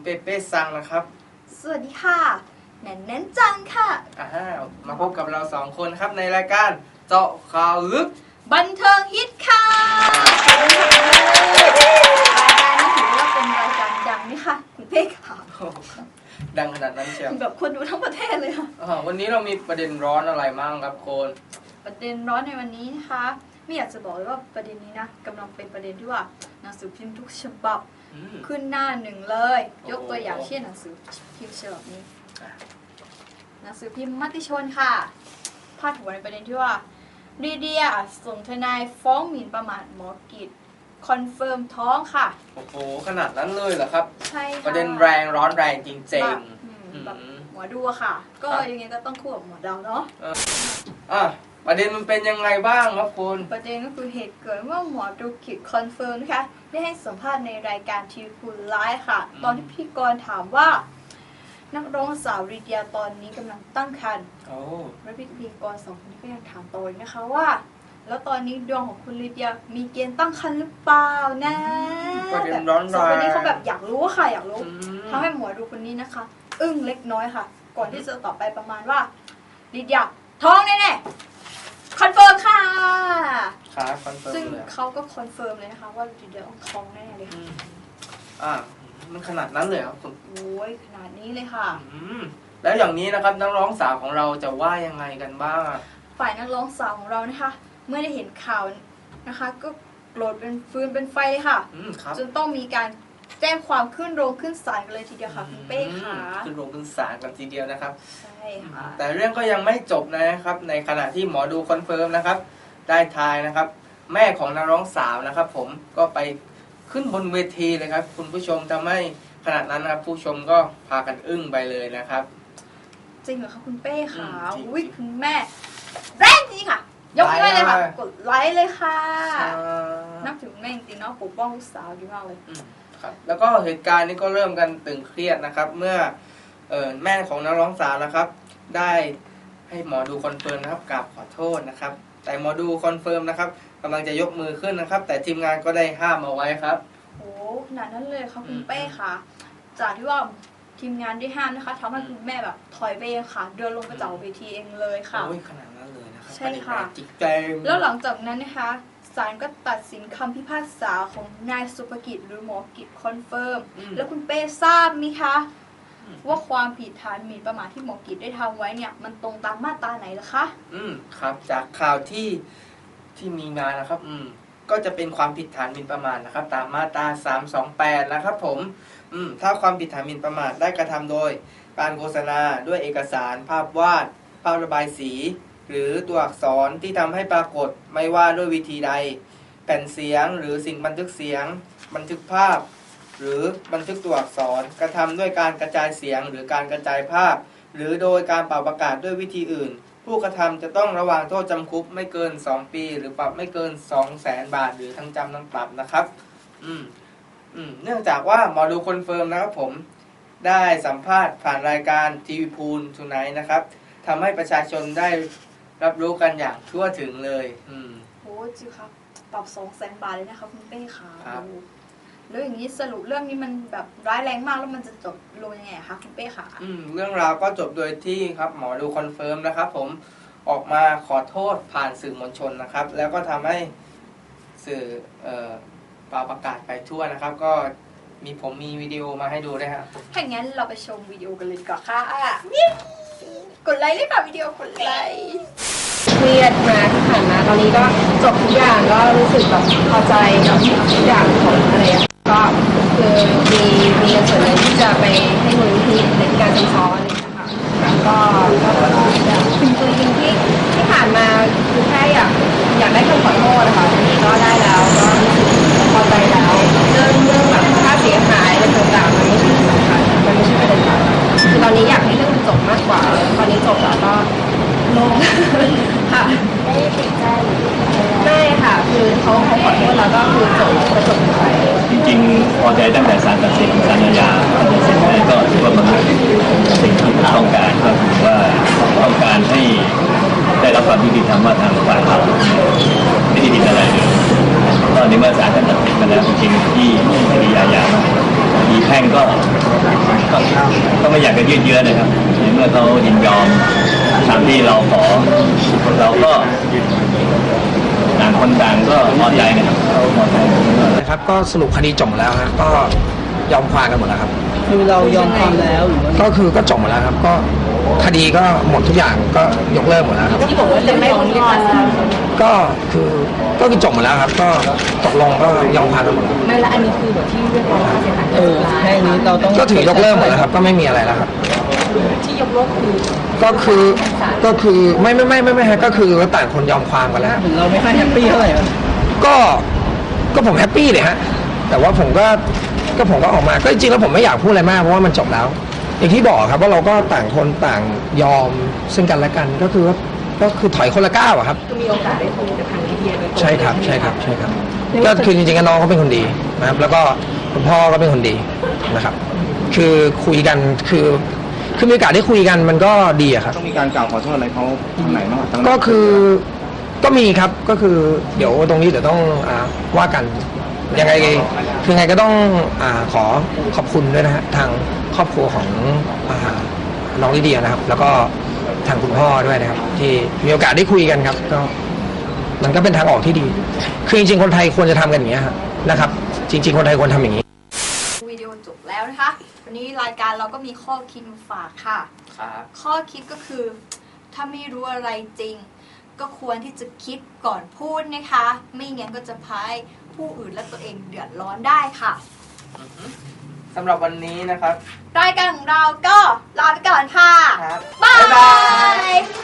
เป้ซังนะครับสวัสดีค่ะแนนจังค่ะมาพบกับเรา2คนครับในรายการเจาะข่าวลึกบันเทิงฮิตค่ะรายการนี้ถือว่าเป็นรายการดังไหมคะคุณเป้ค่ะดังขนาดนั้นเชียวแบบคนดูทั้งประเทศเลยค่ะวันนี้เรามีประเด็นร้อนอะไรบ้างครับคนประเด็นร้อนในวันนี้นะคะไม่อยากจะบอกเลยว่าประเด็นนี้นะกำลังเป็นประเด็นที่ว่าหนังสือพิมพ์ทุกฉบับขึ้นหน้าหนึ่งเลยยกตัวอย่างเช่นหนังสือพิมพ์ฉบับนี้หนังสือพิมพ์มติชนค่ะพาดหัวในประเด็นที่ว่าลีเดียส่งทนายฟ้องหมิ่นประมาทหมอกิจคอนเฟิร์มท้องค่ะโอ้โหขนาดนั้นเลยเหรอครับใช่ค่ะประเด็นแรงร้อนแรงจริงๆแบบหมอดูค่ะก็ยังไงก็ต้องคู่กับหมอดาวเนาะประเด็นมันเป็นยังไงบ้างครับคุณประเด็นก็คือเหตุเกิดเมื่อหมอดูกิจคอนเฟิร์มนะคะได้ให้สัมภาษณ์ในรายการทีวีพูลไลฟ์ค่ะตอนที่พิธีกรถามว่านักร้องสาวลีเดียตอนนี้กำลังตั้งครรภ์และพิธีกร2 คนนี้ก็ยังถามต่อนะคะว่าแล้วตอนนี้ดวงของคุณลีเดียมีเกณฑ์ตั้งครรภ์หรือเปล่านะประเด็นร้อนแคนนี้เขาแบบอยากรู้ค่ะอยากรู้ทำให้หมอดูคนนี้นะคะอึ้งเล็กน้อยค่ะก่อนที่จะตอบไปประมาณว่าลีเดียท้องแน่ๆคอนเฟิร์มค่ะคอนเฟิร์มซึ่งเขาก็คอนเฟิร์มเลยนะคะว่าลีเดียต้องท้องแน่เลยค่ะมันขนาดนั้นเลยครับคุณโอ้ยขนาดนี้เลยค่ะแล้วอย่างนี้นะครับนักร้องสาวของเราจะว่ายังไงกันบ้างฝ่ายนักร้องสาวของเรานะคะเมื่อได้เห็นข่าวนะคะก็โกรธเป็นฟืนเป็นไฟเลยค่ะจนต้องมีการแจ้งความขึ้นโรงขึ้นศาลกันเลยทีเดียวค่ะคุณเป้ค่ะขึ้นโรงขึ้นศาลกันทีเดียวนะครับใช่ค่ะแต่เรื่องก็ยังไม่จบนะครับในขณะที่หมอดูคอนเฟิร์มนะครับได้ทายนะครับแม่ของนักร้องสาวนะครับผมก็ไปขึ้นบนเวทีเลยครับคุณผู้ชมทำให้ขนาดนั้นนะครับผู้ชมก็พากันอึ้งไปเลยนะครับจริงเหรอคะคุณเป้ค่ะอุ้ยคุณแม่แรงจริงค่ะยกให้เลยค่ะกดไลค์เลยค่ะนับถือแม่จริงๆเนาะปกป้องลูกสาวดีมากเลยครับแล้วก็เหตุการณ์นี้ก็เริ่มกันตึงเครียดนะครับเมื่อแม่ของนักร้องสาวนะครับได้ให้หมอดูคอนเฟิร์มนะครับกราบขอโทษนะครับแต่หมอดูคอนเฟิร์มนะครับกำลังจะยกมือขึ้นนะครับแต่ทีมงานก็ได้ห้ามเอาไว้ครับโอ้ขนาดนั้นเลยค่ะคุณเป้ค่ะจากที่ว่าทีมงานได้ห้ามนะคะทำให้คุณแม่แบบถอยไปเองค่ะเดินลงไปจากเวทีเองเลยค่ะโอ้ยขนาดนั้นเลยนะครับใช่ค่ะจิกแจงแล้วหลังจากนั้นนะคะศาลก็ตัดสินคำพิพากษาของนายสุภกิจหรือหมอกิจคอนเฟิร์มแล้วคุณเป้ทราบไหมคะว่าความผิดฐานหมิ่นประมาทที่หมอกิจได้ทำไว้เนี่ยมันตรงตามมาตราไหนล่ะคะครับจากข่าวที่มีมานะครับก็จะเป็นความผิดฐานหมิ่นประมาทนะครับตามมาตรา328นะครับผมถ้าความผิดฐานหมิ่นประมาทได้กระทำโดยการโฆษณาด้วยเอกสารภาพวาดภาพระบายสีหรือตัวอักษรที่ทำให้ปรากฏไม่ว่าด้วยวิธีใดแผ่นเสียงหรือสิ่งบันทึกเสียงบันทึกภาพหรือบันทึกตัวอักษรกระทำด้วยการกระจายเสียงหรือการกระจายภาพหรือโดยการเป่าประกาศด้วยวิธีอื่นผู้กระทำจะต้องระวางโทษจำคุกไม่เกิน2 ปีหรือปรับไม่เกิน 200,000 บาทหรือทั้งจำทั้งปรับนะครับเนื่องจากว่าหมอดูคอนเฟิร์มนะครับผมได้สัมภาษณ์ผ่านรายการทีวีพูลทูไนท์นะครับทำให้ประชาชนได้รับรู้กันอย่างทั่วถึงเลยโอ้จิวครับปรับ200,000 บาทเลยนะคะคุณเป้ค่ะแล้วอย่างนี้สรุปเรื่องนี้มันแบบร้ายแรงมากแล้วมันจะจบลงยังไงคะคุณเป้ค่ะเรื่องราวก็จบโดยที่ครับหมอดูคอนเฟิร์มนะครับผมออกมาขอโทษผ่านสื่อมวลชนนะครับแล้วก็ทำให้สื่อประกาศไปทั่วนะครับก็มีวิดีโอมาให้ดูด้วยครับถ้าอย่างนั้นเราไปชมวิดีโอกันเลยก่อนค่ะกดไลค์เลยค่ะวิดีโอกดไลค์เครียดมาที่ผ่านมาตอนนี้ก็จบทุกอย่างก็รู้สึกแบบพอใจกับทุกอย่างของอะไรก็คือมีเงินส่วนหนึ่งที่จะไปให้มูลนิธิในการสอนอะไรนะคะแล้วก็จริงที่ผ่านมาคือแค่อยากได้คำขอโทษนะคะทีนี้ก็ได้แล้วก็รู้สึกพอใจแล้วเรื่องแบบค่าเสียหายอะไรต่างๆมันไม่ใช่สำคัญมันไม่ใช่ประเด็นหลักคือตอนนี้อยากให้เรื่องมันจบมากกว่าตอนนี้จบแล้วก็โล่งค่ะไม่ได้ติดใจไม่ค่ะคือเขาขอโทษแล้วก็คือจบไปจริงๆพอใจตั้งแต่ศาลตัดสินศาลอาญาตัดสินไปก็ถือว่ามันสิ่งที่ต้องการก็คือว่าต้องการให้ได้รับความยุติธรรมว่าทางฝ่ายเราไม่ได้ผิดอะไรเลยตอนนี้เมื่อศาลตัดสินมาแล้วจริงๆที่คดีอาญามีแพ่งก็ไม่อยากจะยืดเยื้อนะครับในเมื่อเขายินยอมตามที่เราขอเราก็ต่างคนต่างก็พอใจนะครับพอใจนะครับก็สรุปคดีจบหมดแล้วครับก็ยอมความกันหมดแล้วครับคือเรายอมความแล้วหรือว่าก็คือก็จบหมดแล้วครับก็คดีก็หมดทุกอย่างก็ยกเลิกหมดแล้วครับที่บอกว่าจะไม่ฟ้องก็คือจบหมดแล้วครับ ก็ตกลงก็ยอมความกันหมดแล้วไม่ละอันนี้คือแบบที่เรียกร้องค่าเสียหายแค่นี้เราต้องก็ถือยกเลิกหมดแล้วครับก็ไม่มีอะไรแล้วครับที่ยกเลิกคือก็คือไม่ฮะก็คือต่างคนยอมความกันแล้วถึงเราไม่ค่อยแฮปปี้เท่าไหร่อะก็ผมแฮปปี้เลยฮะแต่ว่าผมก็ออกมาก็จริงๆแล้วผมไม่อยากพูดอะไรมากเพราะว่ามันจบแล้ว อย่างที่บอกครับว่าเราก็ต่างคนต่างยอมซึ่งกันและกันก็คือถอยคนละก้าวอะครับคือมีโอกาสได้คุยกับทางลิเดียโดยตรงใช่ครับก็คือจริงๆน้องเขาเป็นคนดีนะครับแล้วก็คุณพ่อก็เป็นคนดีนะครับ คือคุยกันคือมีโอกาสได้คุยกันมันก็ดีอะครับต้องมีการกล่าวขอโทษอะไรเขาทางไหนบ้างทางก็คือก็มีครับก็คือเดี๋ยวตรงนี้เดี๋ยวต้องว่ากันยังไงคือไงก็ต้องขอขอบคุณด้วยนะฮะทางครอบครัวของน้องลิเดียนะครับ แล้วก็ทางคุณพ่อด้วยนะครับ ที่มีโอกาสได้คุยกันครับก็มันก็เป็นทางออกที่ดี คือจริงๆคนไทยควรจะทำกันอย่างนี้ยครับนะครับ จริง ๆคนไทยควรทำอย่างนี้วิดีโอจบแล้วนะคะ วันนี้รายการเราก็มีข้อคิดมาฝากค่ะครับข้อคิดก็คือ ถ้าไม่รู้อะไรจริง ก็ควรที่จะคิดก่อนพูดนะคะ ไม่งั้นก็จะพายผู้อื่นและตัวเองเดือดร้อนได้ค่ะสำหรับวันนี้นะครับรายการของเราก็ลาไปก่อนค่ะครับบ๊ายบ๊ายบาบายย